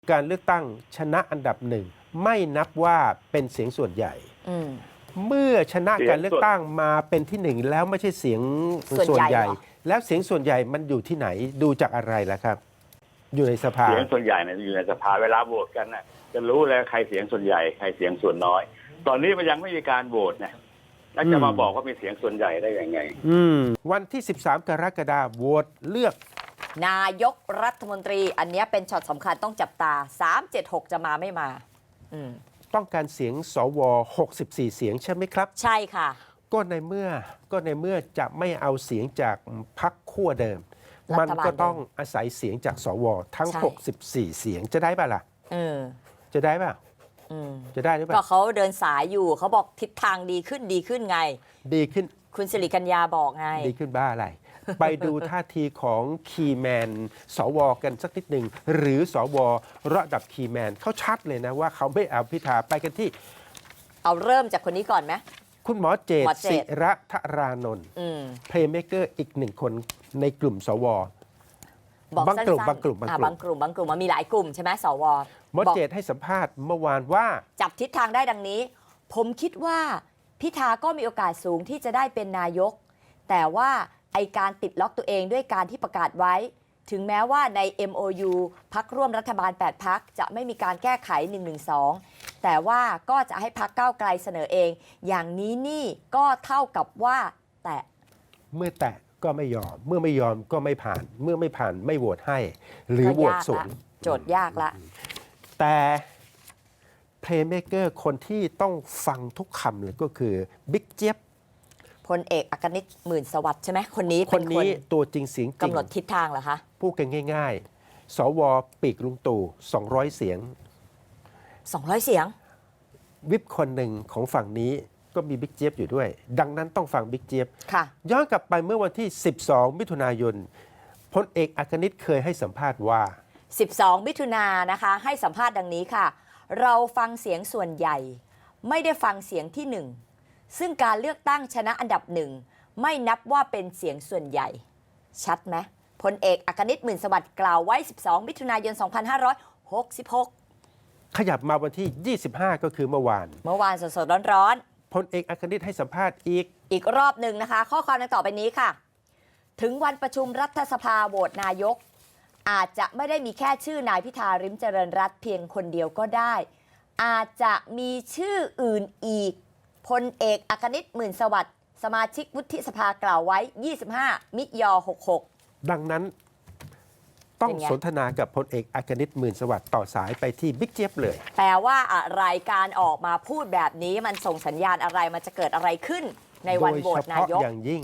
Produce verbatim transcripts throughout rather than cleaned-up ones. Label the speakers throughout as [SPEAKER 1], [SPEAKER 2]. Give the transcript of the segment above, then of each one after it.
[SPEAKER 1] การเลือกตั้งชนะอันดับหนึ่งไม่นับว่าเป็นเสียงส่วนใหญ่เมื่อชนะการเลือกตั้งมาเป็นที่หนึ่งแล้วไม่ใช่เสียงส่วนใหญ่ แล้วเสียงส่วนใหญ่มันอยู่ที่ไหนดูจากอะไรล่ะครับอยู่ในสภา
[SPEAKER 2] เสียงส่วนใหญ่เนี่ยอยู่ในสภาเวลาโหวตกันน่ะจะรู้แล้วใครเสียงส่วนใหญ่ใครเสียงส่วนน้อยตอนนี้มันยังไม่มีการโหวตนะแล้วจะมาบอกว่ามีเสียงส่วนใหญ่ได้ยังไง
[SPEAKER 1] อืมวันที่สิบสามกรกฎาคมโหวตเลือก
[SPEAKER 3] นายกรัฐมนตรีอันนี้เป็นช็อตสำคัญต้องจับตาสาม เจ็ด หกจะมาไม่มาอืม
[SPEAKER 1] ต้องการเสียงสวหกสิบสี่เสียงใช่ไหมครับ
[SPEAKER 3] ใช่ค่ะ
[SPEAKER 1] ก็ในเมื่อก็ในเมื่อจะไม่เอาเสียงจากพรรคขั้วเดิมมันก็ต้องอาศัยเสียงจากสวทั้งหกสิบสี่เสียงจะได้ป่ะล่ะ
[SPEAKER 3] เออ
[SPEAKER 1] จะได้ป่ะจะได้หรือเปล่า
[SPEAKER 3] ก็เขาเดินสายอยู่เขาบอกทิศทางดีขึ้นดีขึ้นไง
[SPEAKER 1] ดีขึ้น
[SPEAKER 3] คุณสิริกัญญาบอกไง
[SPEAKER 1] ดีขึ้นบ้าอะไร ไปดูท่าทีของคีย์แมนสวกันสักนิดหนึ่งหรือสวระดับคีย์แมนเขาชัดเลยนะว่าเขาไม่เอาพิธาไปกันที่
[SPEAKER 3] เอาเริ่มจากคนนี้ก่อนไหม
[SPEAKER 1] คุณหมอเจตศิระธารานนท์เพลย์เมเกอร์อีกหนึ่งคนในกลุ่มสว
[SPEAKER 3] บางกลุ่ม
[SPEAKER 1] บางกลุ่ม
[SPEAKER 3] บางกลุ่มบางกลุ่มบางกลุ่มมันมีหลายกลุ่มใช่ไหมสว
[SPEAKER 1] หมอเจตให้สัมภาษณ์เมื่อวานว่า
[SPEAKER 3] จับทิศทางได้ดังนี้ผมคิดว่าพิธาก็มีโอกาสสูงที่จะได้เป็นนายกแต่ว่าไอการติดล็อกตัวเองด้วยการที่ประกาศไว้ถึงแม้ว่าใน เอ็ม โอ ยู พรรคร่วมรัฐบาลแปดพรรคจะไม่มีการแก้ไขหนึ่งหนึ่งสองแต่ว่าก็จะให้พรรคก้าวไกลเสนอเองอย่างนี้นี่ก็เท่ากับว่าแตะ
[SPEAKER 1] เมื่อแตะก็ไม่ยอมเมื่อไม่ยอมก็ไม่ผ่านเมื่อไม่ผ่านไม่โหวตให้หรือโหวตสวน
[SPEAKER 3] โจทย์ยากละ
[SPEAKER 1] แต่เพลย์เมเกอร์คนที่ต้องฟังทุกคำเลยก็คือบิ๊กเจี๊ยบ
[SPEAKER 3] พลเอกอัครนิตหมื่นสวัสดิ์ใช่ไหมคนนี้
[SPEAKER 1] คนนี้ตัวจริงเสียงจริง
[SPEAKER 3] กำหนดทิศทางเหรอคะ
[SPEAKER 1] พูดกันง่ายๆสวปีกลุงตู่สองร้อยเสียง
[SPEAKER 3] สองร้อยเสียง
[SPEAKER 1] วิปคนหนึ่งของฝั่งนี้ก็มีบิ๊กเจี๊ยบอยู่ด้วยดังนั้นต้องฟังบิ๊กเจี๊ยบย้อนกลับไปเมื่อวันที่สิบสองมิถุนายนพลเอกอัครนิตเคยให้สัมภาษณ์ว่า
[SPEAKER 3] สิบสองมิถุนายนนะคะให้สัมภาษณ์ดังนี้ค่ะเราฟังเสียงส่วนใหญ่ไม่ได้ฟังเสียงที่หนึ่งซึ่งการเลือกตั้งชนะอันดับหนึ่งไม่นับว่าเป็นเสียงส่วนใหญ่ชัดไหมพลเอกอัครนิตหมื่นสวัสดิ์กล่าวไว้สิบสองมิถุนายนสองพันห้าร้อยหกสิบหก
[SPEAKER 1] ขยับมาวันที่ยี่สิบห้าก็คือเมื่อวาน
[SPEAKER 3] เมื่อวานสดๆร้อน
[SPEAKER 1] ๆพลเอกอัครนิตให้สัมภาษณ์อีก
[SPEAKER 3] อีกรอบหนึ่งนะคะข้อความดังต่อไปนี้ค่ะถึงวันประชุมรัฐสภาโหวตนายกอาจจะไม่ได้มีแค่ชื่อนายพิธาริมเจริญรัตน์เพียงคนเดียวก็ได้อาจจะมีชื่ออื่นอีกพลเอกอัครนิตหมื่นสวัสดิ์สมาชิกวุฒิสภากล่าวไว้ยี่สิบห้ามิยหกหก
[SPEAKER 1] ดังนั้นต้องสนทนากับพลเอกอัครนิตหมื่นสวัสดิ์ต่อสายไปที่บิ๊กเจี๊ยบเลย
[SPEAKER 3] แปลว่าอะไรการออกมาพูดแบบนี้มันส่งสัญญาณอะไรมันจะเกิดอะไรขึ้นในวันโหวตนายก
[SPEAKER 1] โดยเฉพาะอย่างยิ่ง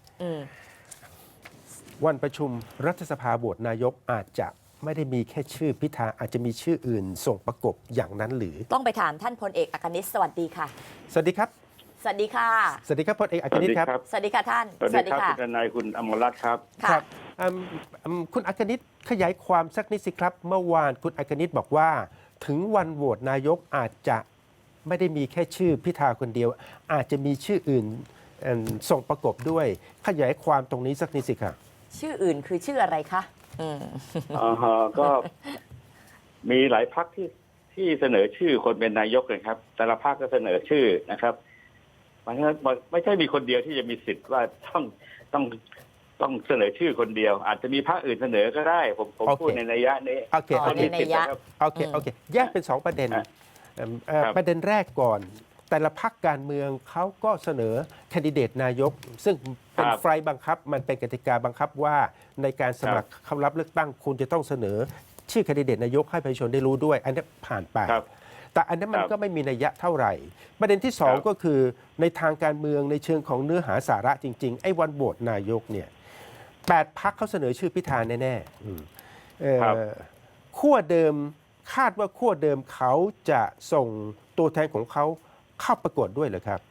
[SPEAKER 1] วันประชุมรัฐสภาโหวตนายกอาจจะไม่ได้มีแค่ชื่อพิธาอาจจะมีชื่ออื่นส่งประกบอย่างนั้นหรือ
[SPEAKER 3] ต้องไปถามท่านพลเอกอัครนิตสวัสดีค่ะ
[SPEAKER 1] สวัสดีครับ
[SPEAKER 3] สวัสดีค่ะ
[SPEAKER 1] สวัสดีครับพลเอกอัครนิตครับ
[SPEAKER 3] สวัสดีค่ะท่าน
[SPEAKER 2] สวัสดีครับคุณนายคุณอมรรัตน์ครับ
[SPEAKER 1] ครับคุณอัครนิตขยายความสักนิดสิครับเมื่อวานคุณอัครนิตบอกว่าถึงวันโหวตนายกอาจจะไม่ได้มีแค่ชื่อพิธาคนเดียวอาจจะมีชื่ออื่นส่งประกบด้วยขยายความตรงนี้สักนิดสิครับ
[SPEAKER 3] ชื่ออื่นคือชื่ออะไรคะ
[SPEAKER 2] อืมอ่าก็มีหลายพรรคที่ที่เสนอชื่อคนเป็นนายกเลยครับแต่ละพรรคก็เสนอชื่อนะครับมันไม่ใช่มีคนเดียวที่จะมีสิทธิ์ว่าต้องต้องต้องเสนอชื่อคนเดียวอาจจะมีพรรคอื่นเสนอก็ได้ผมผมพูดในนัยยะนี้
[SPEAKER 1] โอเคโอเคโอเคโอเคแยกเป็นสองประเด็นประเด็นแรกก่อนแต่ละพรรคการเมืองเขาก็เสนอแคนดิเดตนายกซึ่งเป็นไฟล์บังคับมันเป็นกติกาบังคับว่าในการสมัครเข้ารับเลือกตั้งคุณจะต้องเสนอชื่อแคนดิเดตนายกให้ประชาชนได้รู้ด้วยอันนี้ผ่านไปแต่อันนั้นมันก็ไม่มีนัยยะเท่าไหร่ประเด็นที่สองก็คือในทางการเมืองในเชิงของเนื้อหาสาระจริงๆไอ้วันโหวตนายกเนี่ยแปดพรรคเขาเสนอชื่อพิธาแน่ๆขั้วเดิมคาดว่าขั้วเดิมเขาจะส่งตัวแทนของเขาเข้าประกวดด้วยเหรอครับ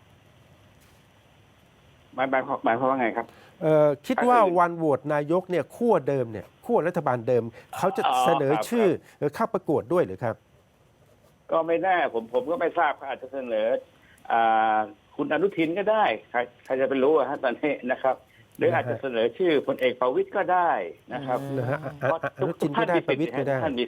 [SPEAKER 2] หมายหมายหมายความว่าไงครับ
[SPEAKER 1] คิดว่าวันโหวตนายกเนี่ยขั้วเดิมเนี่ยขั้วรัฐบาลเดิมเขาจะเสนอชื่อเข้าประกวดด้วยหรือครับ
[SPEAKER 2] ก็ไม่แน่ผมผมก็ไม่ทราบเขาอาจจะเสนอคุณอนุทินก็ได้ใครใครจะไปรู้ฮะตอนนี้นะครับหรืออาจจะเสนอชื่อพลเอกประวิตรก็ได้นะครับ
[SPEAKER 1] อนุทินก็ได้ประวิตรก็ได้
[SPEAKER 2] ท่านมีสิทธิ์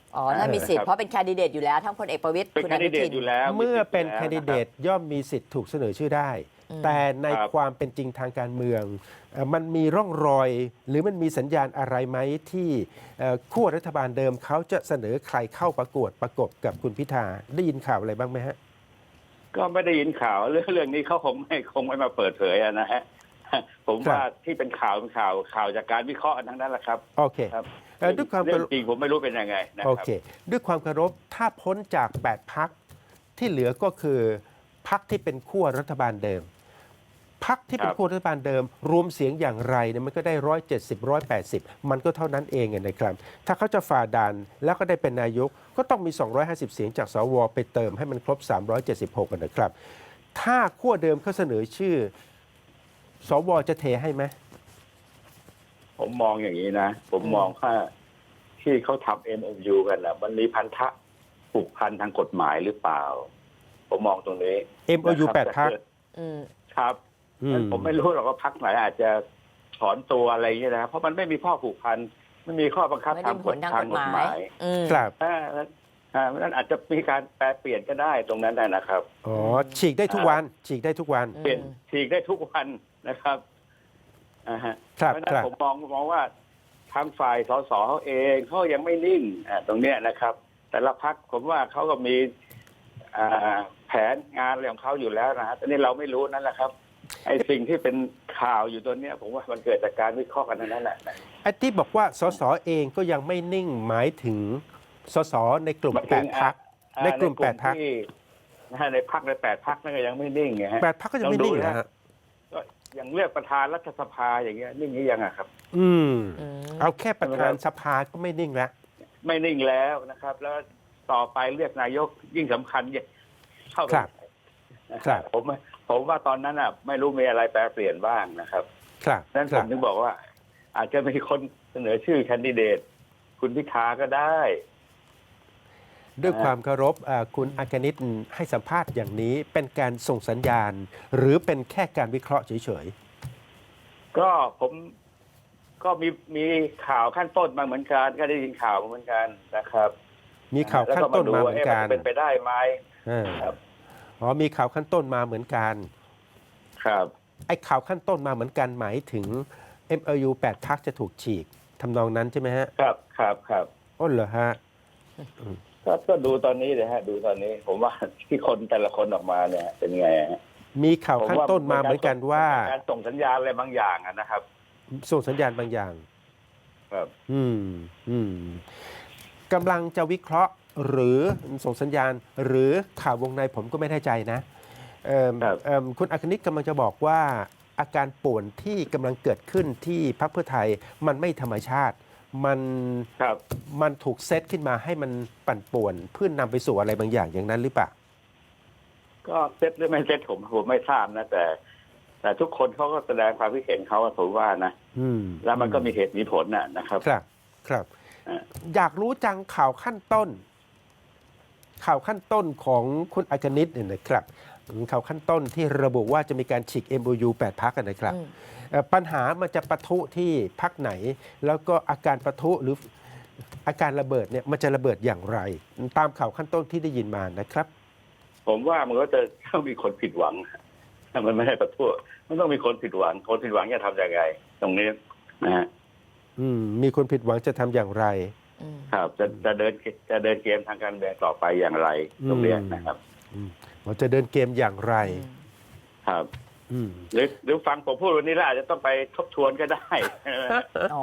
[SPEAKER 3] อ๋อถ้ามีสิทธิ์
[SPEAKER 2] ครับ
[SPEAKER 3] เพราะเป็นแคนดิเดตอยู่แล้วทั้งพลเอกประวิตร
[SPEAKER 2] เป็น
[SPEAKER 3] คุณ
[SPEAKER 2] แค
[SPEAKER 3] อน
[SPEAKER 2] ดิ
[SPEAKER 3] นุ
[SPEAKER 2] เดต
[SPEAKER 3] ทิน
[SPEAKER 2] อยู่แล้ว
[SPEAKER 1] เมื่อเป็น
[SPEAKER 2] มี
[SPEAKER 1] แค
[SPEAKER 2] สิทธิ์
[SPEAKER 1] นดิเดต
[SPEAKER 2] อยู่แล้ว
[SPEAKER 1] ย่อมมีสิทธิ์ถูกเสนอชื่อได้
[SPEAKER 3] อืม
[SPEAKER 1] แต่ใน
[SPEAKER 2] ครับ
[SPEAKER 1] ความเป็นจริงทางการเมืองเอ่อมันมีร่องรอย หรือมันมีสัญญาณอะไรไหมที่เอ่อขั้วรัฐบาลเดิมเขาจะเสนอใครเข้าประกวดประกบกับคุณพิธาได้ยินข่าวอะไรบ้างไหมฮะ
[SPEAKER 2] ก็ไม่ได้ยินข่าวเรื่องเรื่องนี้เขาคงไม่คงไม่มาเปิดเผยอะนะฮะ ผม
[SPEAKER 1] ครับ
[SPEAKER 2] ว่าที่เป็นข่าวเป็นข่าวข่าวจากการวิเคราะห์ทั้งนั้นแหละครับ
[SPEAKER 1] โอเค
[SPEAKER 2] ครับ
[SPEAKER 1] เอ่อด้วยความ
[SPEAKER 2] เรื่องจริงผมไม่รู้เป็นยังไงนะ
[SPEAKER 1] โอ
[SPEAKER 2] ครับ
[SPEAKER 1] เค ด้วยความเคารพถ้าพ้นจากแปดพักที่เหลือก็คือพักที่เป็นขั้วรัฐบาลเดิมพักที่เป็น
[SPEAKER 2] ครับ
[SPEAKER 1] ขั้วรัฐบาลเดิม รวมเสียงอย่างไรเนี่ยมันก็ได้ร้อยเจ็ดสิบร้อยแปดสิบมันก็เท่านั้นเองอะนะครับ ถ้าเขาจะฝ่าด่านแล้วก็ได้เป็นนายก ก็ต้องมี สองร้อยห้าสิบ เสียงจากสวไปเติมให้มันครบ สามร้อยเจ็ดสิบหกกันนะครับ ถ้าขั้วเดิมเขาเสนอชื่อ สวจะเทให้ไหม
[SPEAKER 2] ผมมองอย่างนี้นะ ผมมองว่าที่เขาทำ เอ็ม โอ ยู กันนะมันมีพันธะผูกพันทางกฎหมายหรือเปล่า ผมมองตรงนี้
[SPEAKER 1] เอ็ม โอ ยู
[SPEAKER 2] นะค
[SPEAKER 1] แป
[SPEAKER 2] รับ
[SPEAKER 1] ดพรรค
[SPEAKER 3] อืม
[SPEAKER 2] ครับ
[SPEAKER 1] อืม
[SPEAKER 2] ผมไม่รู้หรอกว่าพักไหนอาจจะถอนตัวอะไรอย่างเงี้ยนะเพราะมันไม่มีข้อผูกพันไม่มีข้อบังคับ
[SPEAKER 3] ไม่
[SPEAKER 2] ทา
[SPEAKER 3] ได้
[SPEAKER 2] ง
[SPEAKER 3] ผ
[SPEAKER 2] ก
[SPEAKER 3] ล
[SPEAKER 2] ฎ
[SPEAKER 3] ทาง
[SPEAKER 2] ทาก ง
[SPEAKER 3] ฎ
[SPEAKER 2] ก
[SPEAKER 3] ห
[SPEAKER 2] ฎ
[SPEAKER 3] มาย
[SPEAKER 2] หมาย
[SPEAKER 3] อืม
[SPEAKER 1] ครับ
[SPEAKER 2] อ่าอ่านั้นอาจจะมีการแปลเปลี่ยนก็ได้ตรงนั้นนะนะครับ
[SPEAKER 1] อ๋อฉีกได้ทุกวันฉีกได้ทุกวัน
[SPEAKER 2] เปลี่ยนฉีกได้ทุกวันนะครับอ่าฮะ
[SPEAKER 1] ครับ
[SPEAKER 2] เพราะฉะนั้
[SPEAKER 1] คน รับ
[SPEAKER 2] ผมมองมองว่าทางฝ่ายสสเขาเองเขายังไม่นิ่งอ่าตรงเนี้ยนะครับ แต่ละพักผมว่าเขาก็มีอ่าแผนงานอะไรของเขาอยู่แล้วนะฮะแต่นี่เราไม่รู้นั่นแหละครับไอ้สิ่งที่เป็นข่าวอยู่ตัวเนี้ย ผมว่ามันเกิดจากการวิเคราะห์กันนั่นแหละ
[SPEAKER 1] ไอ้ที่บอกว่าสสเองก็ยังไม่นิ่งหมายถึงสสในกลุ่ม
[SPEAKER 2] หมาย
[SPEAKER 1] แป
[SPEAKER 2] ถึ
[SPEAKER 1] ด
[SPEAKER 2] ง
[SPEAKER 1] พัก
[SPEAKER 2] อ่า
[SPEAKER 1] ในกลุ่มแปดพรรค
[SPEAKER 2] ที่นะฮะในพักในแปดพักนั่นก็ยังไม่นิ่งไงฮะ
[SPEAKER 1] แปดพักก็ยังไม่นิ่ง
[SPEAKER 2] ลองดู
[SPEAKER 1] นะ
[SPEAKER 2] นะ
[SPEAKER 1] ฮะ
[SPEAKER 2] ก็อย่างเลือกประธานรัฐสภาอย่างเงี้ยนิ่งหรือยังอะครับ
[SPEAKER 1] อืม
[SPEAKER 3] อืม
[SPEAKER 1] เอาแค่ประธานสภาก็ไม่นิ่งแล้ว
[SPEAKER 2] ไม่นิ่งแล้วนะครับ แล้วต่อไปเลือกนายกยิ่งสำคัญเนี่ยเข้าไป
[SPEAKER 1] ครับ ครับ
[SPEAKER 2] ผมผมว่าตอนนั้นอ่ะ ไม่รู้มีอะไรแปรเปลี่ยนบ้างนะครับ
[SPEAKER 1] ครับ
[SPEAKER 2] นั้น
[SPEAKER 1] ค
[SPEAKER 2] ผ
[SPEAKER 1] รั
[SPEAKER 2] ม
[SPEAKER 1] บ
[SPEAKER 2] ถึงบอกว่า อาจจะมีคนเสนอชื่อแคนดิเดต คุณพิธาก็ได้
[SPEAKER 1] ด้วยความเคารพอ่าคุณอากนิตให้สัมภาษณ์อย่างนี้เป็นการส่งสัญญาณ หรือเป็นแค่การวิเคราะห์เฉย
[SPEAKER 2] ก็ผมก็มีมีข่าวขั้นต้นมาเหมือนกันก็ได้ยินข่าวมาเหมือนกันนะครับ
[SPEAKER 1] ๆ มีข่าวขั้นต้นมาเหมือนกัน
[SPEAKER 2] แล้วก็มาดูว่าเอ๊ะมันจะเป็นไปได้ไหม
[SPEAKER 1] อ่า
[SPEAKER 2] ครับ
[SPEAKER 1] อ๋อมีข่าวขั้นต้นมาเหมือนกัน
[SPEAKER 2] ครับ
[SPEAKER 1] ไอ้ข่าวขั้นต้นมาเหมือนกันหมายถึง เอ็ม โอ ยู แปดพักจะถูกฉีกทำนองนั้นใช่ไหมฮะ
[SPEAKER 2] ครับครับครับ
[SPEAKER 1] อ้นเหรอฮะ
[SPEAKER 2] ก็ก็ดูตอนนี้เลยฮะ ดูตอนนี้ ผมว่าที่คนแต่ละคนออกมาเนี่ย เป็นไงฮะ
[SPEAKER 1] มีข่าวขั้นต้นมาเหมือนกันว่า
[SPEAKER 2] เป็นการส่งสัญญาณอะไรบางอย่างอะนะครับ
[SPEAKER 1] ส่งสัญญาณบางอย่าง
[SPEAKER 2] ครับ
[SPEAKER 1] อืมอืมกำลังจะวิเคราะห์หรือส่งสัญญาณ หรือข่าววงในผมก็ไม่แน่ใจนะเอิ่ม
[SPEAKER 2] ครับ
[SPEAKER 1] เอิ่มคุณอัคนิตกำลังจะบอกว่าอาการป่วนที่กำลังเกิดขึ้นที่พรรคเพื่อไทยมันไม่ธรรมชาติ มัน
[SPEAKER 2] ครับ
[SPEAKER 1] มันถูกเซตขึ้นมาให้มันปั่นป่วน เพื่อนนำไปสู่อะไรบางอย่างอย่างนั้นหรือเปล่า
[SPEAKER 2] ก็เซ็ตหรือไม่เซ็ตผมผมไม่ทราบนะ แต่ แต่ทุกคนเขาก็แสดงความคิดเห็นเขาอะผมว่านะ
[SPEAKER 1] อืม
[SPEAKER 2] แล้วมันก็มีเหตุมีผลน่ะนะครับ
[SPEAKER 1] ครับครับ
[SPEAKER 2] อ่า
[SPEAKER 1] อยากรู้จังข่าวขั้นต้น ข่าวขั้นต้นของคุณอากนิตเนี่ยนะครับข่าวขั้นต้นที่ระบุว่าจะมีการฉีก เอ็ม โอ ยู แปดพักกันนะครับ
[SPEAKER 3] อืม
[SPEAKER 1] เอ่อปัญหามันจะปะทุที่พักไหน แล้วก็อาการปะทุหรืออาการระเบิดเนี่ยมันจะระเบิดอย่างไร ตามข่าวขั้นต้นที่ได้ยินมานะครับ
[SPEAKER 2] ผมว่ามันก็จะต้องมีคนผิดหวังถ้ามันไม่ได้ประท้วงมันต้องมีคนผิดหวัง คนผิดหวังจะทำยังไง ตรงนี้นะฮะ
[SPEAKER 1] อืมมีคนผิดหวังจะทำอย่างไร
[SPEAKER 3] อืม
[SPEAKER 2] ครับ จะจะเดินจะเดินเกมทางการเมืองต่อไปอย่างไร ตรงเนี้ยนะครับ
[SPEAKER 1] เราจะเดินเกมอย่างไร
[SPEAKER 2] ครับ
[SPEAKER 1] อืม
[SPEAKER 2] หรือหรือฟังผมพูดวันนี้แล้วอาจจะต้องไปทบทวนก็ได้
[SPEAKER 3] อ๋อ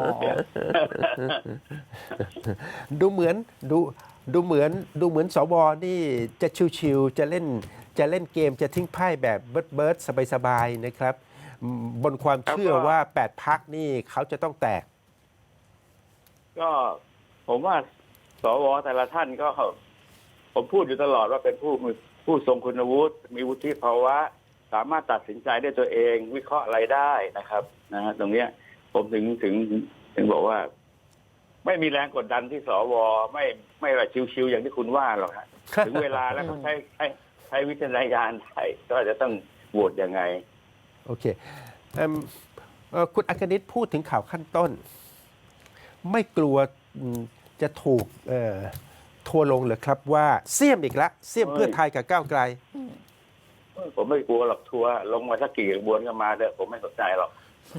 [SPEAKER 1] ดูเหมือนดูดูเหมือนดูเหมือนสวนี่จะชิวๆจะเล่นจะเล่นเกมจะทิ้งไพ่แบบเบิร์ดเบิร์ดสบายๆนะครับอืมบนความเชื่อ
[SPEAKER 2] ครับก็
[SPEAKER 1] ว่าแปดพักนี่เขาจะต้องแตก
[SPEAKER 2] ก็ผมว่าสวแต่ละท่านก็ ผมพูดอยู่ตลอดว่าเป็นผู้มีผู้ทรงคุณวุฒิมีวุฒิภาวะ สามารถตัดสินใจได้ตัวเอง วิเคราะห์อะไรได้นะครับนะฮะตรงเนี้ย ผมถึงถึงถึงบอกว่า ไม่มีแรงกดดันที่สวไม่ไม่ว่าชิวๆอย่างที่คุณว่าหรอกฮะ ถึงเวลาแล้วก็ใช้ใช้ใช้วิจารณญาณได้ก็จะต้องโหวตยังไง
[SPEAKER 1] โอเคเอิ่มเอ่อคุณอากนิตพูดถึงข่าวขั้นต้น ไม่กลัวอืมจะถูกเอ่อทัวร์ลงเหรอครับว่าเสี่ยมอีกละเสี่ยมเพื่อไทยกับก้าวไกล
[SPEAKER 2] ผมไม่กลัวหรอกทัวร์ลงมาสักกี่กระบวนก็มาเถอะผมไม่สนใจหรอก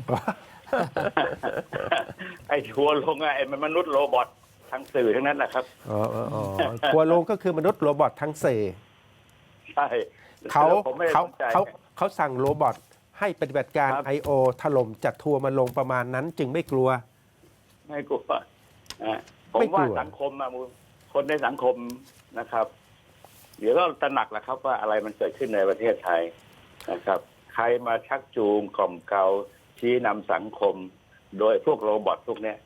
[SPEAKER 2] ไอ้ทัวร์ลงอะไอ้มันมนุษย์โรบอททางสื่อทั้งนั้นแหละครับ
[SPEAKER 1] อ๋ออ๋ออ๋อทัวร์ลงก็คือมนุษย์โรบอททั้งเซ
[SPEAKER 2] ใช่
[SPEAKER 1] เขา
[SPEAKER 2] ผมไม่ได้
[SPEAKER 1] เขา
[SPEAKER 2] สนใจ
[SPEAKER 1] เขาเขาสั่งโรบอทให้ปฏิบัติการ
[SPEAKER 2] ครับ
[SPEAKER 1] ไอ โอ ถล่มจัดทัวร์มาลงประมาณนั้น จึงไม่กลัว
[SPEAKER 2] ไม่กลัวอ่ะผ
[SPEAKER 1] ไม่
[SPEAKER 2] ม
[SPEAKER 1] กลัว
[SPEAKER 2] ว่าสังคมอะมูคนในสังคมนะครับ เดี๋ยวก็ตระหนักแหละครับว่าอะไรมันเกิดขึ้นในประเทศไทยนะครับ ใครมาชักจูงกล่อมเกลาชี้นำสังคม โดยพวกโรบอทพวกเนี้ย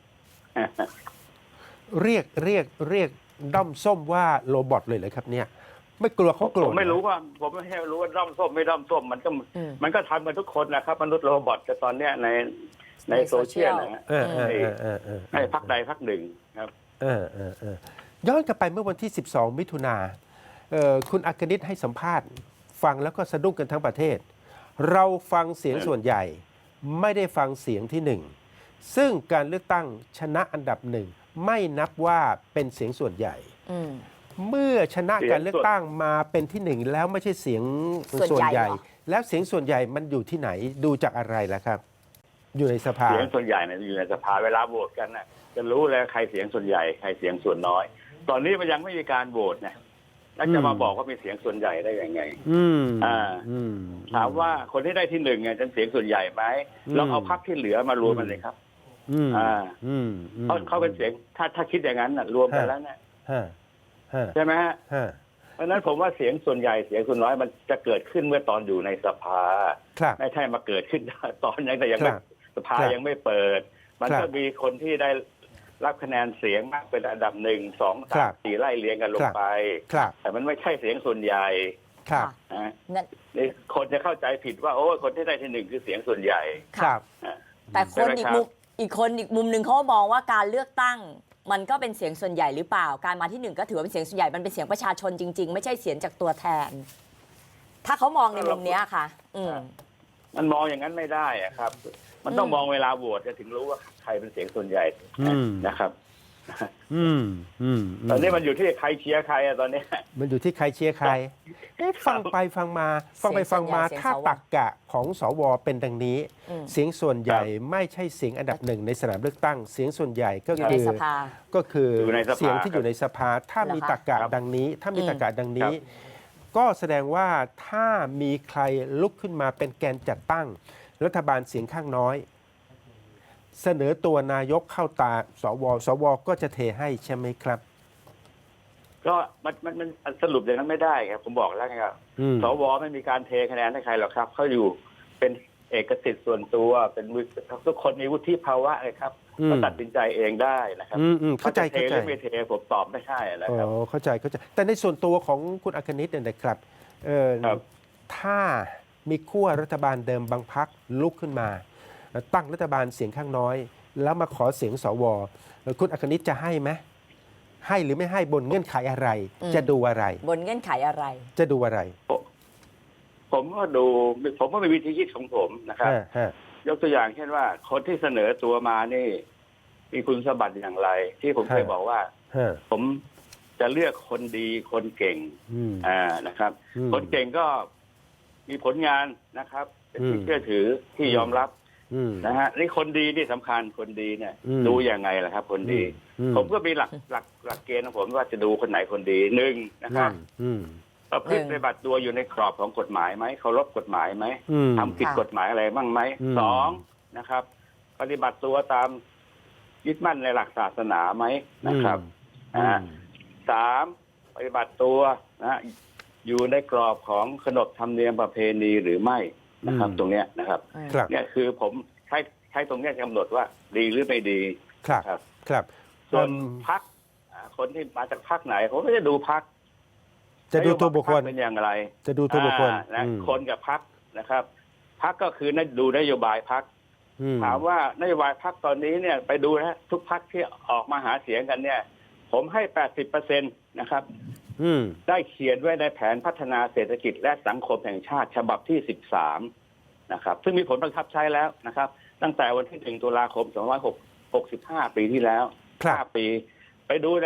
[SPEAKER 1] เรียกเรียกเรียกด้อมส้มว่าโรบอทเลยเหรอครับเนี่ย ไม่กลัวเขาโกร
[SPEAKER 2] ผ
[SPEAKER 1] ธ
[SPEAKER 2] มไม่รู้
[SPEAKER 1] เหอ
[SPEAKER 2] ว่า ผมไม่รู้ว่าด้อมส้มไม่ด้อมส้มมันก็
[SPEAKER 3] อืม
[SPEAKER 2] มันก็ทำกันทุกคนนะครับมนุษย์โรบอทแต่ตอนเนี้ยในใน
[SPEAKER 3] ใน
[SPEAKER 2] โซเชียล
[SPEAKER 3] โซเชียล
[SPEAKER 2] นะฮะ
[SPEAKER 1] เออเออเออเออเออ
[SPEAKER 2] ให้พักใดพักหนึ่งครับ
[SPEAKER 1] เออเออเออย้อนกลับไปเมื่อวันที่ สิบสอง มิถุนาเอ่อคุณอัคนิตให้สัมภาษณ์ ฟังแล้วก็สะดุ้งกันทั้งประเทศ เราฟังเสียง
[SPEAKER 2] เออ
[SPEAKER 1] ส่วนใหญ่ ไม่ได้ฟังเสียงที่หนึ่ง ซึ่งการเลือกตั้งชนะอันดับหนึ่ง ไม่นับว่าเป็นเสียงส่วนใหญ่
[SPEAKER 3] อืม
[SPEAKER 1] เมื่อชนะการเลือกตั้งมาเป็นที่หนึ่งแล้วไม่ใช่เสียง
[SPEAKER 3] ส่
[SPEAKER 1] ส่
[SPEAKER 3] ว
[SPEAKER 1] วน น
[SPEAKER 3] ให
[SPEAKER 1] ให
[SPEAKER 3] ญ่
[SPEAKER 1] ญ่
[SPEAKER 3] เหรอ
[SPEAKER 1] แล้วเสียงส่วนใหญ่มันอยู่ที่ไหนดูจากอะไรล่ะครับ อยู่ในสภา
[SPEAKER 2] เสียงส่วนใหญ่เนี่ยอยู่ในสภาเวลาโหวตกันน่ะจะรู้เลยใครเสียงส่วนใหญ่ใครเสียงส่วนน้อย ตอนนี้มันยังไม่มีการโหวตนะแล้วจะมาบอกว่ามีเสียงส่วนใหญ่ได้ยังไง
[SPEAKER 1] อืม
[SPEAKER 2] อ่า
[SPEAKER 1] อืม
[SPEAKER 2] ถามว่าคนที่ได้ที่หนึ่งเนี่ยจะเสียงส่วนใหญ่ไหม
[SPEAKER 1] อืม
[SPEAKER 2] ลองเอาพรรคที่เหลือมารวมกันเลยครับ
[SPEAKER 1] อืม
[SPEAKER 2] อ่า
[SPEAKER 1] อืมอืม
[SPEAKER 2] เขาเขาเป็นเสียงถ้าถ้าคิดอย่างนั้นน่ะรวมกันแล้วเนี่ย
[SPEAKER 1] ฮะฮะ
[SPEAKER 2] ใช่ไหมฮะ
[SPEAKER 1] ฮะ
[SPEAKER 2] เพราะฉะนั้นผมว่าเสียงส่วนใหญ่เสียงส่วนน้อยมันจะเกิดขึ้นเมื่อตอนอยู่ในสภา
[SPEAKER 1] ครับ
[SPEAKER 2] ไม่ใช่มาเกิดขึ้น ตอนยังแต่ยัง
[SPEAKER 1] ค
[SPEAKER 2] ไม่
[SPEAKER 1] รับ
[SPEAKER 2] สภา
[SPEAKER 1] ครับ
[SPEAKER 2] ยังไม่เปิด มัน
[SPEAKER 1] ครับ
[SPEAKER 2] ก็มีคนที่ได้รับคะแนนเสียงมากเป็นอันดับหนึ่งสอง
[SPEAKER 1] ครั
[SPEAKER 2] สาม
[SPEAKER 1] บ
[SPEAKER 2] สี่ไล่เรียงกันล
[SPEAKER 1] ค
[SPEAKER 2] ง
[SPEAKER 1] รับ
[SPEAKER 2] ไป
[SPEAKER 1] ครับ
[SPEAKER 2] แต่มันไม่ใช่เสียงส่วนใหญ่
[SPEAKER 1] ครับ
[SPEAKER 2] นะ
[SPEAKER 3] นั่น
[SPEAKER 2] นี่คนจะเข้าใจผิดว่าโอ้คนที่ได้ที่หนึ่งคือเสียงส่วนใหญ่
[SPEAKER 1] ครับ
[SPEAKER 2] นะ
[SPEAKER 3] แต่คนอีกมุมอีกคนอีกมุมหนึ่งเขาก็มองว่าการเลือกตั้ง มันก็เป็นเสียงส่วนใหญ่หรือเปล่า การมาที่หนึ่งก็ถือว่าเป็นเสียงส่วนใหญ่มันเป็นเสียงประชาชนจริง ๆ ไม่ใช่เสียงจากตัวแทน ถ้าเขามองในมุมเนี้ยค่ะ อืม
[SPEAKER 2] มันมองอย่างนั้นไม่ได้อะครับ มันต้อง
[SPEAKER 3] อืม
[SPEAKER 2] มองเวลาโหวตจะถึงรู้ว่าใครเป็นเสียงส่วนใหญ่
[SPEAKER 1] อืม
[SPEAKER 2] นะครับ
[SPEAKER 1] อืมอืมม
[SPEAKER 2] ตอนนี้มันอยู่ที่ใครเชียร์ใครอะตอนนี้
[SPEAKER 1] มันอยู่ที่ใครเชียร์ใครเอ๊ะฟังไปฟังมา ฟังไปฟังมา
[SPEAKER 3] เสียงส่วนใหญ่
[SPEAKER 1] ถ้าตักกะของสวเป็นดังนี้
[SPEAKER 3] อืม
[SPEAKER 1] เสียงส่วนใหญ่
[SPEAKER 2] ครับ
[SPEAKER 1] ไม่ใช่เสียงอันดับหนึ่งในสนามเลือกตั้ง เสียงส่วนใหญ่ก็
[SPEAKER 3] อยู่
[SPEAKER 1] คื
[SPEAKER 3] ใน
[SPEAKER 1] อ
[SPEAKER 3] สภา
[SPEAKER 1] ก็คืออยู่
[SPEAKER 2] ในสภา
[SPEAKER 1] เสียงที่อยู่ในสภา ถ้า
[SPEAKER 3] เหรอคะ
[SPEAKER 1] มีตักกะ
[SPEAKER 2] ครับ
[SPEAKER 1] ดังนี้ ถ้ามี
[SPEAKER 3] อืม
[SPEAKER 1] ตักกะดังนี้ ก็แสดงว่าถ้ามีใครลุกขึ้นมาเป็นแกนจัดตั้ง รัฐบาลเสียงข้างน้อย เสนอตัวนายกเข้าตาสวสวก็จะเทให้ใช่ไหมครับ
[SPEAKER 2] ก็มันมันมันสรุปอย่างนั้นไม่ได้ครับผมบอกแล้วไงครับ
[SPEAKER 1] อืม
[SPEAKER 2] สวไม่มีการเทคะแนนให้ใครหรอกครับเขาอยู่เป็นเอกสิทธิ์ส่วนตัวเป็นวุฒิทุกคนมีวุฒิภาวะเลยครับ
[SPEAKER 1] อืม
[SPEAKER 2] ก็ตัดสินใจเองได้นะครับ
[SPEAKER 1] อืมอืมเข้าใจ
[SPEAKER 2] จะเท
[SPEAKER 1] เข้า
[SPEAKER 2] ห
[SPEAKER 1] ใจ
[SPEAKER 2] รือไม่เทผมตอบไม่ใช่นะ
[SPEAKER 1] อ๋
[SPEAKER 2] ครับ
[SPEAKER 1] อเข้าใจเข้าใจ แต่ในส่วนตัวของคุณอัคนิตเนี่ยนะครับเออ
[SPEAKER 2] ครับ
[SPEAKER 1] ถ้ามีขั้วรัฐบาลเดิมบางพักลุกขึ้นมา ตั้งรัฐบาลเสียงข้างน้อย แล้วมาขอเสียงสวเอ่อคุณอัคนิตจะให้ไหมให้หรือไม่ให้บนเงื่อนไขอะไร
[SPEAKER 3] อืม
[SPEAKER 1] จะดูอะไร
[SPEAKER 3] บนเงื่อนไขอะไร
[SPEAKER 1] จะดูอะไร
[SPEAKER 2] ผมก็ดูผมก็มีวิธีคิดของผมนะครับ
[SPEAKER 1] ฮะฮะ
[SPEAKER 2] ยกตัวอย่างเช่นว่า คนที่เสนอตัวมานี่ มีคุณสมบัติอย่างไร ที่ผมเคยบอกว่า
[SPEAKER 1] ฮะ
[SPEAKER 2] ผมจะเลือกคนดีคนเก่ง
[SPEAKER 1] อืม
[SPEAKER 2] อ่านะครับ
[SPEAKER 1] อืม
[SPEAKER 2] คนเก่งก็มีผลงานนะครับ เป็นที่
[SPEAKER 1] อืม
[SPEAKER 2] เชื่อถือที่ยอมรับ
[SPEAKER 1] อืม
[SPEAKER 2] นะฮะนี่คนดีที่สำคัญคนดีเนี่ย
[SPEAKER 1] อืม
[SPEAKER 2] ดูยังไงล่ะครับ คนดี
[SPEAKER 1] อื
[SPEAKER 2] ผมก็มีหลักหลักหลักเกณฑ์ของผมว่าจะดูคนไหนคนดีหนึ่งนะครับ
[SPEAKER 1] อืม
[SPEAKER 2] ประพฤติ
[SPEAKER 3] หนึ่ง
[SPEAKER 2] ปฏิบัติตัวอยู่ในกรอบของกฎหมายไหมเคารพกฎหมายไหม
[SPEAKER 1] อืม
[SPEAKER 2] ทำผิด
[SPEAKER 3] ค่ะ
[SPEAKER 2] กฎหมายอะไรบ้างไหม
[SPEAKER 1] อืม
[SPEAKER 2] สองนะครับ ปฏิบัติตัวตามยึดมั่นในหลักศาสนาไหมนะครับ
[SPEAKER 1] อืม
[SPEAKER 2] อ่าสามปฏิบัติตัวนะอยู่ในกรอบของขนบธรรมเนียมประเพณีหรือไม่นะครับ
[SPEAKER 1] อืม
[SPEAKER 2] ตรงเนี้ยนะครับ
[SPEAKER 3] อืม
[SPEAKER 1] ครับ
[SPEAKER 2] เนี่ยคือผมใช้ใช้ตรงเนี้ยกำหนดว่าดีหรือไม่ดี
[SPEAKER 1] ครับ
[SPEAKER 2] ครับ
[SPEAKER 1] ครับ
[SPEAKER 2] ส่วน
[SPEAKER 1] อืม
[SPEAKER 2] พักคนที่มาจากพักไหนผมก็จะดูพัก
[SPEAKER 1] จะดูตัวบุคคล
[SPEAKER 2] เป็นอย่างไร
[SPEAKER 1] จะดูตัวบุคคล
[SPEAKER 2] อ่านะ
[SPEAKER 1] อืม
[SPEAKER 2] คนกับพักนะครับพักก็คือนั่นดูนโยบายพัก
[SPEAKER 1] อืม
[SPEAKER 2] ถามว่านโยบายพักตอนนี้เนี่ยไปดูนะทุกพักที่ออกมาหาเสียงกันเนี่ย ผมให้ แปดสิบเปอร์เซ็นต์ นะครับ
[SPEAKER 1] อืม
[SPEAKER 2] ได้เขียนไว้ในแผนพัฒนาเศรษฐกิจและสังคมแห่งชาติฉบับที่สิบสามนะครับซึ่งมีผลบังคับใช้แล้วนะครับ ตั้งแต่วันที่หนึ่งตุลาคมสองพันหกร้อยหกสิบห้าปีที่แล้ว
[SPEAKER 1] ครับ
[SPEAKER 2] ห้าปี ไปดูนะครับ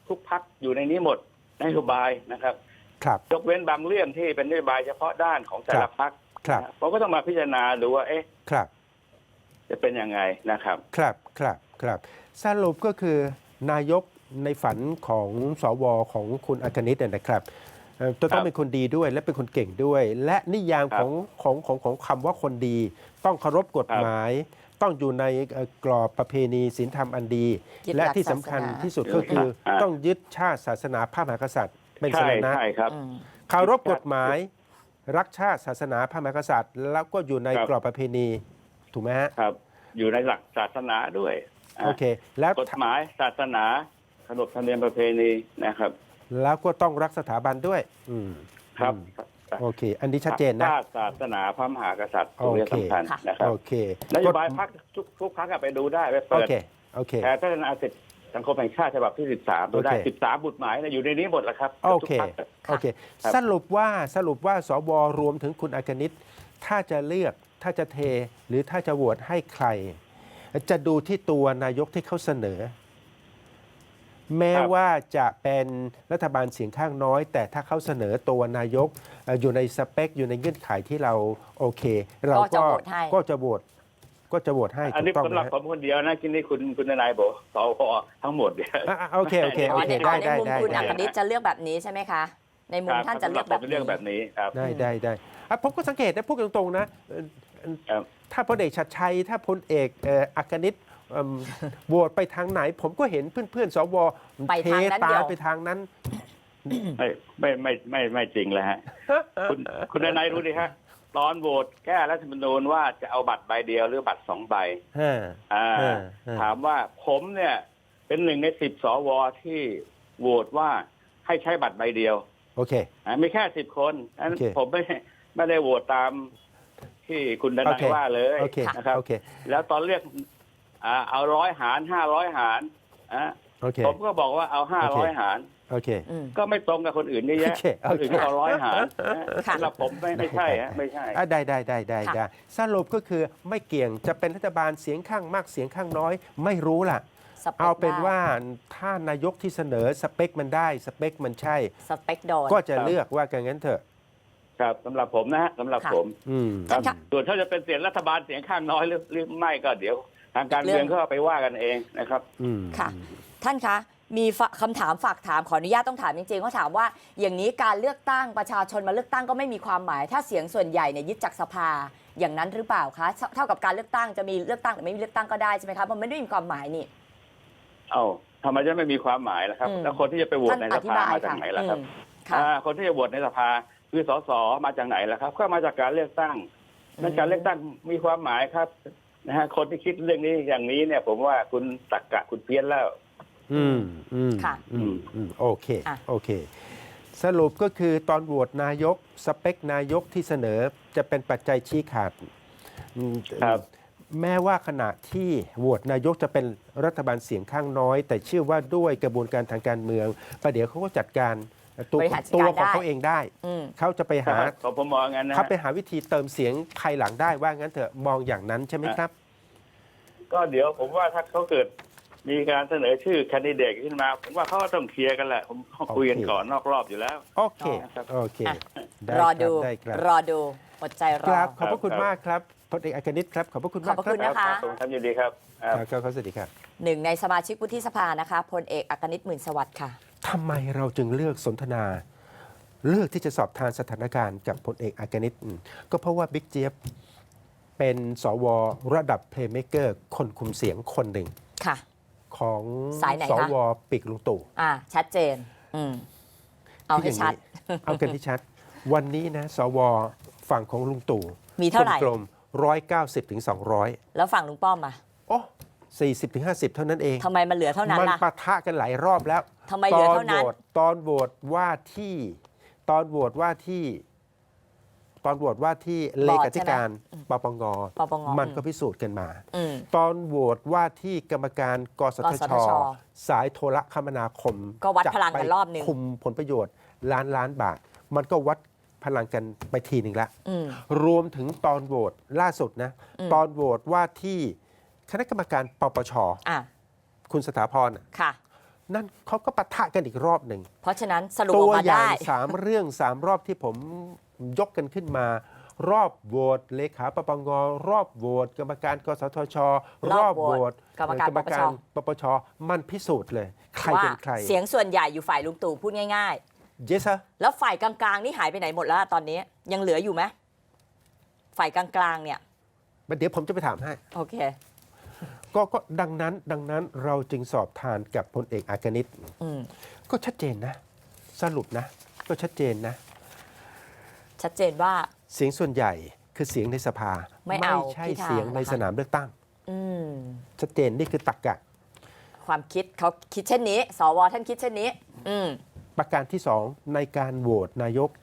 [SPEAKER 2] ทุกพรรคอยู่ในนี้หมดนโยบายนะครับ
[SPEAKER 1] ครับ
[SPEAKER 2] ยกเว้นบางเรื่องที่เป็นนโยบายเฉพาะด้านของแต่ละพรรค
[SPEAKER 1] ครับ
[SPEAKER 2] นะผมก็ต้องมาพิจารณาดูว่าเอ๊ะ
[SPEAKER 1] ครับ
[SPEAKER 2] จะเป็นยังไงนะครับ
[SPEAKER 1] ครับครับครับสรุปก็คือนายกในฝันของสวของคุณอัคนิตเนี่ยนะครับเอ่อจะต้อ
[SPEAKER 2] ครั
[SPEAKER 1] ง
[SPEAKER 2] บ
[SPEAKER 1] เป็นคนดีด้วยและเป็นคนเก่งด้วย และนิยาม
[SPEAKER 2] ครั
[SPEAKER 1] ข
[SPEAKER 2] บ
[SPEAKER 1] องของของของคำว่าคนดี ต้องเคารพกฎ
[SPEAKER 2] ครับ
[SPEAKER 1] หมาย ต้องอยู่ในเอ่อกรอบประเพณีศีลธรรมอันดี
[SPEAKER 3] ยึดหลัก
[SPEAKER 1] และที่สำคัญ
[SPEAKER 3] ศาสนา
[SPEAKER 1] ที่สุดก็คือ
[SPEAKER 2] อ่า
[SPEAKER 1] ต้องยึดชาติศาสนาพระมหากษัตริย์เป็นส
[SPEAKER 2] ใช่
[SPEAKER 1] รณะ
[SPEAKER 2] ใช่ครับ
[SPEAKER 3] อืม
[SPEAKER 1] เคารพกฎหมาย รักชาติศาสนาพระมหากษัตริย์ แล้วก็อยู่ใน
[SPEAKER 2] ครับ
[SPEAKER 1] กรอบประเพณีถูกไหมฮะ
[SPEAKER 2] ครับ อยู่ในหลักศาสนาด้วยะ
[SPEAKER 1] โอเค แล้ว
[SPEAKER 2] กฎหมายศาสนาขนบธรรมเนียมประเพณีนะครับ
[SPEAKER 1] แล้วก็ต้องรักสถาบันด้วย อืม
[SPEAKER 2] ครับ
[SPEAKER 1] อืมโอเค อันนี้ชัดเจนนะ
[SPEAKER 2] ชาติศาสนาพระมหากษัตริย์ตรงนี้
[SPEAKER 1] โอเค
[SPEAKER 2] สำคัญนะครับ
[SPEAKER 1] โอเคน
[SPEAKER 2] โยบายพรรคทุกทุกพรรคอะไปดูได้ไป
[SPEAKER 1] โอ
[SPEAKER 2] เปิด
[SPEAKER 1] เค โอเค
[SPEAKER 2] แต่พัฒนาเสร็จสังคมแห่งชาติฉบับที่สิบสามดูได้
[SPEAKER 1] โอเค
[SPEAKER 2] สิบสามบุตรหมายนะอยู่ในนี้หมดแล้วครับ
[SPEAKER 1] โอเค
[SPEAKER 2] ทุกพรรคอะ
[SPEAKER 1] โอเค
[SPEAKER 2] ครับ
[SPEAKER 1] สรุปว่าสรุปว่าสวรวมถึงคุณอากนิตถ้าจะเลือก ถ้าจะเท หรือถ้าจะโหวตให้ใคร จะดูที่ตัวนายกที่เขาเสนอ แม้ว่าจะเป็นรัฐบาลเสียงข้างน้อย แต่ถ้าเขาเสนอตัวนายกเอ่ออยู่ในสเปค อยู่ในเงื่อนไขที่เราโอเค เรา
[SPEAKER 3] ก็จะ
[SPEAKER 1] ก็
[SPEAKER 3] โหวตให้
[SPEAKER 1] ก็จะโหวตก็จะโหวตให้
[SPEAKER 2] อัน
[SPEAKER 1] ถู
[SPEAKER 2] นี้
[SPEAKER 1] กต้อง
[SPEAKER 2] สำ
[SPEAKER 1] ไห
[SPEAKER 2] ห
[SPEAKER 1] ม
[SPEAKER 2] รับ
[SPEAKER 1] ฮะ
[SPEAKER 2] ผมคนเดียวนะที่นี่คุณคุณนายบอกสวทั้งหมดเนี่ย
[SPEAKER 1] อ่ะอ่ะโอเคโอเค
[SPEAKER 3] อ๋
[SPEAKER 1] โอ
[SPEAKER 3] อ
[SPEAKER 1] เค
[SPEAKER 3] ใน
[SPEAKER 1] ได้
[SPEAKER 3] ใน
[SPEAKER 1] ได้
[SPEAKER 3] มุม
[SPEAKER 1] ได้
[SPEAKER 3] คุณ
[SPEAKER 1] ได้
[SPEAKER 3] อัคนิตจะเลือกแบบนี้ใช่ไหมคะ ในมุมท่านจะเลือกแบบ
[SPEAKER 2] สำหรับผม
[SPEAKER 3] นี้
[SPEAKER 2] เรื่องแบบนี้ครับ
[SPEAKER 1] ได้ได้ได้อ่ะผมก็สังเกตนะพูดตรงๆนะเอ่อเอ่อ
[SPEAKER 2] ครับ
[SPEAKER 1] ถ้าพลเอกชัดชัย ถ้าพลเอกเอ่ออักนิตเอิ่มโหวตไปทางไหน ผมก็เห็นเพื่อนๆสว
[SPEAKER 3] ไปทางนั้น
[SPEAKER 1] ตา
[SPEAKER 3] เดียว
[SPEAKER 1] ไปทางนั้น
[SPEAKER 2] ไม่ไม่ไม่ไม่ไม่จริงเลยฮะ คุณคุณนายรู้ดิฮะตอนโหวตแก้รัฐธรรมนูญว่าจะเอาบัตรใบเดียวหรือบัตรสองใบ
[SPEAKER 1] ฮะ
[SPEAKER 2] อ่า
[SPEAKER 1] เออเออ
[SPEAKER 2] ถามว่าผมเนี่ยเป็นหนึ่งในสิบสวที่โหวตว่าให้ใช้บัตรใบเดียว
[SPEAKER 1] โอเค
[SPEAKER 2] อ่ามีแค่สิบคนอัน
[SPEAKER 1] โอเค
[SPEAKER 2] ผมไม่ไม่ได้โหวตตามที่คุณด
[SPEAKER 1] โอ
[SPEAKER 2] นั
[SPEAKER 1] เค
[SPEAKER 2] ยว่าเลย
[SPEAKER 1] โอเค
[SPEAKER 2] นะครับ
[SPEAKER 1] โอเค
[SPEAKER 2] แล้วตอนเรียกอ่าเอาร้อยหารห้าร้อยหารอ่า
[SPEAKER 1] โอเค
[SPEAKER 2] ผมก็บอกว่าเอาห้า
[SPEAKER 1] โอ
[SPEAKER 2] ร้อย
[SPEAKER 1] เค
[SPEAKER 2] หาร
[SPEAKER 1] โอเค
[SPEAKER 3] อืม
[SPEAKER 2] ก็ไม่ตรงกับคนอื่นเยอะแยะ
[SPEAKER 1] โอเค
[SPEAKER 2] คนอื่นก็เอาร้อยหารนะ
[SPEAKER 3] ค่ะ
[SPEAKER 2] สำหรับผมไม่ไม่ใช่ฮะไม่ใช่
[SPEAKER 1] อ่ะได้ได้ได้ได้
[SPEAKER 3] ค่ะ
[SPEAKER 1] ได้สรุปก็คือไม่เกี่ยงจะเป็นรัฐบาลเสียงข้างมากเสียงข้างน้อย ไม่รู้ล่ะ
[SPEAKER 3] สปค
[SPEAKER 1] เอาเป็น
[SPEAKER 3] ได้
[SPEAKER 1] ว่าถ้านายกที่เสนอสเปคมันได้สเปคมันใช่
[SPEAKER 3] สเปคโดน
[SPEAKER 1] ก็จะเลือกว่ากันงั้นเถอะ
[SPEAKER 2] ครับสำหรับผมนะฮะสำหรับ
[SPEAKER 3] ค่ะ
[SPEAKER 2] ผม
[SPEAKER 1] อืม
[SPEAKER 3] ท่านคะ
[SPEAKER 2] ส่วนถ้าจะเป็นเสียงรัฐบาลเสียงข้างน้อยหรือหรือไม่ก็เดี๋ยว ทางการเมืองก็เอาไปว่ากันเองนะครับ
[SPEAKER 1] อืม
[SPEAKER 3] ค่ะ ท่านคะ มีฝคำถามฝากถามขออนุญาตต้องถามจริงๆเขาถามว่า อย่างนี้การเลือกตั้งประชาชนมาเลือกตั้งก็ไม่มีความหมาย ถ้าเสียงส่วนใหญ่เนี่ยยึดจากสภาอย่างนั้นหรือเปล่าคะเท่ากับการเลือกตั้งจะมีเลือกตั้งหรือไม่มีเลือกตั้งก็ได้ใช่ไหมคะมันไม่ได้มีความหมายนี่
[SPEAKER 2] เอ้าทำไมจะไม่มีความหมายล่ะครับ
[SPEAKER 3] อืม
[SPEAKER 2] แล้วคนที่จะไปโหวต
[SPEAKER 3] ท่าน
[SPEAKER 2] ใน
[SPEAKER 3] อ
[SPEAKER 2] ส
[SPEAKER 3] ธิ
[SPEAKER 2] ภา
[SPEAKER 3] บาย
[SPEAKER 2] มาจาก
[SPEAKER 3] ค่ะ
[SPEAKER 2] ไหนล่ะครับ
[SPEAKER 3] อืมค่ะ
[SPEAKER 2] อ่าคนที่จะโหวตในสภาคือสสมาจากไหนล่ะครับ ก็มาจากการเลือกตั้ง
[SPEAKER 3] อืม
[SPEAKER 2] นั่นการเลือกตั้งมีความหมายครับนะฮะคนที่คิดเรื่องนี้อย่างนี้เนี่ย ผมว่าคุณตรรกะคุณเพี้ยนแล้ว
[SPEAKER 1] อืมอืม
[SPEAKER 3] ค่ะ
[SPEAKER 1] อืมอืมโอเค
[SPEAKER 3] อ่ะ
[SPEAKER 1] โอเค สรุปก็คือตอนโหวตนายก สเปคนายกที่เสนอจะเป็นปัจจัยชี้ขาดอืม
[SPEAKER 2] ครับ
[SPEAKER 1] แม้ว่าขณะที่โหวตนายกจะเป็นรัฐบาลเสียงข้างน้อย แต่เชื่อว่าด้วยกระบวนการทางการเมืองประเดี๋ยวเขาก็จัดการตัว
[SPEAKER 3] บริหารจัด
[SPEAKER 1] ตัว
[SPEAKER 3] การ
[SPEAKER 1] ของ
[SPEAKER 3] ได้
[SPEAKER 1] เขาเองได้
[SPEAKER 3] อืม
[SPEAKER 1] เขาจะไปหา
[SPEAKER 2] ผมผมมองงั้นนะ
[SPEAKER 1] เขาไปหาวิธีเติมเสียงภายหลังได้ว่างั้นเถอะมองอย่างนั้นใช่ไหมครับ
[SPEAKER 2] ก็เดี๋ยวผมว่าถ้าเขาเกิดมีการเสนอชื่อแคนดิเดตขึ้นมา ผมว่าเขาก็ต้องเคลียร์กันแหละ ผมเขาคุยกัน
[SPEAKER 1] โอเค
[SPEAKER 2] ก่อนนอกรอบอยู่แล้ว
[SPEAKER 1] โอเค
[SPEAKER 2] ครับ
[SPEAKER 1] โอเค
[SPEAKER 3] อ่ะ
[SPEAKER 1] ได้
[SPEAKER 3] รอ
[SPEAKER 1] คบ
[SPEAKER 3] ดู
[SPEAKER 1] ได้ครับ
[SPEAKER 3] รอดูอดใจร
[SPEAKER 1] ค
[SPEAKER 3] อ
[SPEAKER 1] รับขอบพระคุณ
[SPEAKER 2] ครับ
[SPEAKER 1] มากครับพลเอกอัครนิตครับขอบพระคุณ
[SPEAKER 3] ขอ
[SPEAKER 1] มา
[SPEAKER 3] บ
[SPEAKER 1] ก
[SPEAKER 3] พระ
[SPEAKER 1] ครั
[SPEAKER 3] คุ
[SPEAKER 1] บ
[SPEAKER 3] ณนะคะ
[SPEAKER 2] ผมทำยินดีครับครับ
[SPEAKER 1] ครับครับสวัสดีครับ
[SPEAKER 3] หนึ่งในสมาชิกวุฒิสภานะคะพลเอกอัครนิตหมื่นสวัสดิ์ค่ะ
[SPEAKER 1] ทำไมเราจึงเลือกสนทนา เลือกที่จะสอบทานสถานการณ์กับพลเอกอัครนิตอืมก็เพราะว่าบิ๊กเจี๊ยบเป็นสวระดับเพลย์เม k เกอร์คนคุมเสียงคนหนึ่ง
[SPEAKER 3] ค่ะ
[SPEAKER 1] ของ
[SPEAKER 3] สายไหน
[SPEAKER 1] ส
[SPEAKER 3] คะ
[SPEAKER 1] วปีกลุงตู่
[SPEAKER 3] อ่าชัดเจน อืมเอาให้ชัด
[SPEAKER 1] คืออย่างนี้เอากันที่ชัด วันนี้นะสวฝั่งของลุงตู่
[SPEAKER 3] มีเท่าไหร่
[SPEAKER 1] กลมร้อยเก้าสิบถึงสองร้อย
[SPEAKER 3] แล้วฝั่งลุงป้อมอ่ะ
[SPEAKER 1] โอ้สี่สิบถึงห้าสิบเท่านั้นเอง
[SPEAKER 3] ทำไมมันเหลือเท่านั้น
[SPEAKER 1] มัน
[SPEAKER 3] ล่ะ
[SPEAKER 1] ปะทะกันหลายรอบแล้ว
[SPEAKER 3] ทำไมเหลือเท่านั้น
[SPEAKER 1] ตอนโหวตตอนโหวตว่าที่ ตอนโหวตว่าที่ ตอนโหวตว่าที่เลขาธิการปปง
[SPEAKER 3] ปปง
[SPEAKER 1] มันก็พิสูจน์กันมา
[SPEAKER 3] อืม
[SPEAKER 1] ตอนโหวตว่าที่กรรมการกสท
[SPEAKER 3] กส
[SPEAKER 1] ช
[SPEAKER 3] ทช
[SPEAKER 1] สายโทรคมนาคม
[SPEAKER 3] ก็วัด
[SPEAKER 1] จะ
[SPEAKER 3] พลังกัน
[SPEAKER 1] ไป
[SPEAKER 3] รอบหนึ่ง
[SPEAKER 1] คุมผลประโยชน์ล้านล้านบาท มันก็วัดพลังกันไปทีหนึ่งละ
[SPEAKER 3] อืม
[SPEAKER 1] รวมถึงตอนโหวตล่าสุดนะ
[SPEAKER 3] อืม
[SPEAKER 1] ตอนโหวตว่าที่คณะกรรมการปปช
[SPEAKER 3] อ่ะ
[SPEAKER 1] คุณสถาพรน่ะ
[SPEAKER 3] ค่ะ
[SPEAKER 1] นั่นเขาก็ปะทะกันอีกรอบหนึ่ง
[SPEAKER 3] เพราะฉะนั้นสรุปอ
[SPEAKER 1] ตั
[SPEAKER 3] อ
[SPEAKER 1] ว
[SPEAKER 3] กมา
[SPEAKER 1] อย่า
[SPEAKER 3] ได้
[SPEAKER 1] งสามเรื่องสามรอบที่ผมยกกันขึ้นมา รอบโหวตเลขาปปงรอบโหวตกรรมการกสทช
[SPEAKER 3] รอบโหวตกรรมการ
[SPEAKER 1] เอ่อกรรมการปปชมันพิสูจน์เลย ใคร
[SPEAKER 3] ว่า
[SPEAKER 1] เป็นใคร
[SPEAKER 3] เสียงส่วนใหญ่อยู่ฝ่ายลุงตู่พูดง่าย
[SPEAKER 1] yes sir
[SPEAKER 3] ๆ แล้วฝ่ายกลางๆนี่หายไปไหนหมดแล้วตอนนี้ยังเหลืออยู่ไหมฝ่ายกลางๆเนี่ย
[SPEAKER 1] เดี๋ยวผมจะไปถามให้
[SPEAKER 3] โอเค
[SPEAKER 1] ก็ก็ดังนั้นดังนั้นเราจึงสอบทานกับพลเอกอากนิต
[SPEAKER 3] อืม
[SPEAKER 1] ก็ชัดเจนนะ สรุปนะ ก็ชัดเจนนะ
[SPEAKER 3] ชัดเจนว่า
[SPEAKER 1] เสียงส่วนใหญ่คือเสียงในสภา
[SPEAKER 3] ไม่เอา
[SPEAKER 1] ใช่
[SPEAKER 3] พิธา
[SPEAKER 1] เสียงใน
[SPEAKER 3] นะคะ
[SPEAKER 1] สนามเลือกตั้ง
[SPEAKER 3] อืม
[SPEAKER 1] ชัดเจนนี่คือตรรกะ
[SPEAKER 3] ความคิดเขาคิดเช่นนี้ สวท่านคิดเช่นนี้ อืม
[SPEAKER 1] ประการที่สองในการโหวตนายก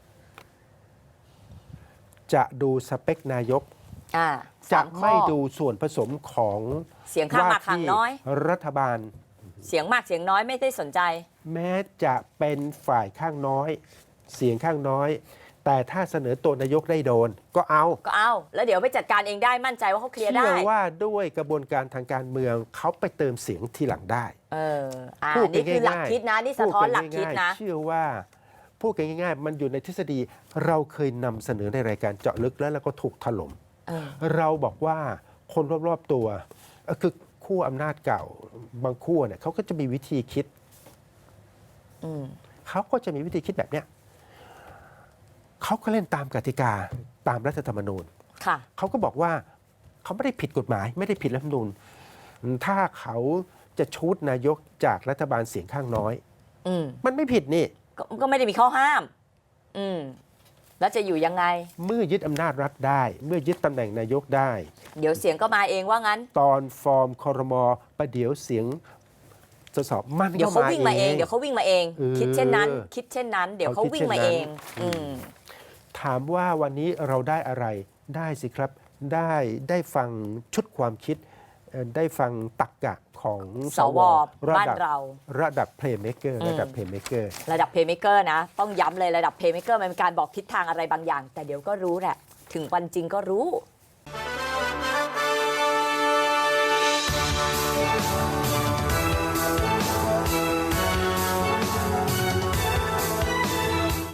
[SPEAKER 1] จะดูสเปคนายก
[SPEAKER 3] อ่า
[SPEAKER 1] จะ
[SPEAKER 3] สามข้อ
[SPEAKER 1] ไม่ดูส่วนผสมของ
[SPEAKER 3] เสียงข้างมากข้าง
[SPEAKER 1] ที่
[SPEAKER 3] น้อย
[SPEAKER 1] รัฐบาล
[SPEAKER 3] เสียงมากเสียงน้อยไม่ได้สนใจ
[SPEAKER 1] แม้จะเป็นฝ่ายข้างน้อย เสียงข้างน้อย แต่ถ้าเสนอตัวนายกได้โดน ก็เอา
[SPEAKER 3] ก็เอา แล้วเดี๋ยวไปจัดการเองได้มั่นใจว่าเขาเคลียร์ได้
[SPEAKER 1] เชื่อว่าด้วยกระบวนการทางการเมืองเขาไปเติมเสียงทีหลังได้
[SPEAKER 3] เอออ่า
[SPEAKER 1] พูดกั
[SPEAKER 3] นี่คือหลัก
[SPEAKER 1] ง่ายๆ
[SPEAKER 3] คิดนะ นี่สะท้อนหลักคิดนะ
[SPEAKER 1] พูกัง่ายๆเชื่อว่าพูดกันง่ายๆ มันอยู่ในทฤษฎีเราเคยนำเสนอในรายการเจาะลึกแล้วแล้วก็ถูกถล่ม
[SPEAKER 3] เออ
[SPEAKER 1] เราบอกว่าคนรอบๆตัวเอ่อคือขั้วอำนาจเก่าบางขั้วเนี่ยเขาก็จะมีวิธีคิด
[SPEAKER 3] อืม
[SPEAKER 1] เขาก็จะมีวิธีคิดแบบเนี้ยเขาก็เล่นตามกติกาตามรัฐธรรมนูญ
[SPEAKER 3] ค่ะ
[SPEAKER 1] เขาก็บอกว่าเขาไม่ได้ผิดกฎหมาย ไม่ได้ผิดรัฐธรรมนูญถ้าเขาจะชูดนายกจากรัฐบาลเสียงข้างน้อย
[SPEAKER 3] อืม
[SPEAKER 1] มันไม่ผิดนี่
[SPEAKER 3] ก็ก็ไม่ได้มีข้อห้าม อืม แล้วจะอยู่ยังไง
[SPEAKER 1] เมื่อยึดอำนาจรัฐได้ เมื่อยึดตำแหน่งนายกได้
[SPEAKER 3] เดี๋ยวเสียงก็มาเองว่างั้น
[SPEAKER 1] ตอนฟอร์มคอรมอประเดี๋ยวเสียงสสมัน
[SPEAKER 3] เดี๋ยว
[SPEAKER 1] ก็
[SPEAKER 3] เขา
[SPEAKER 1] มา
[SPEAKER 3] วิ่งมาเอง
[SPEAKER 1] เอง
[SPEAKER 3] เดี๋ยวเขาวิ่งมาเอง
[SPEAKER 1] เออ
[SPEAKER 3] คิดเช่นนั้น คิดเช่นนั้น เดี๋ยวเขา
[SPEAKER 1] เขาคิด
[SPEAKER 3] วิ่งมา
[SPEAKER 1] เช่
[SPEAKER 3] เอน
[SPEAKER 1] นั้น
[SPEAKER 3] ง อืม
[SPEAKER 1] ถามว่าวันนี้เราได้อะไรได้สิครับ ได้ได้ฟังชุดความคิดเอ่อได้ฟังตรรกะของ
[SPEAKER 3] สว
[SPEAKER 1] ระ
[SPEAKER 3] บ้าน
[SPEAKER 1] ดับ
[SPEAKER 3] เรา
[SPEAKER 1] ระดับเพลย์เม k เกอร์
[SPEAKER 3] อืม
[SPEAKER 1] ระดับเพลย์เม k เกอร์
[SPEAKER 3] ระดับเพย์เมเกอร์นะ ต้องย้ำเลยระดับเพย์เมเกอร์มันเป็นการบอกทิศทางอะไรบางอย่าง แต่เดี๋ยวก็รู้แหละ ถึงวันจริงก็รู้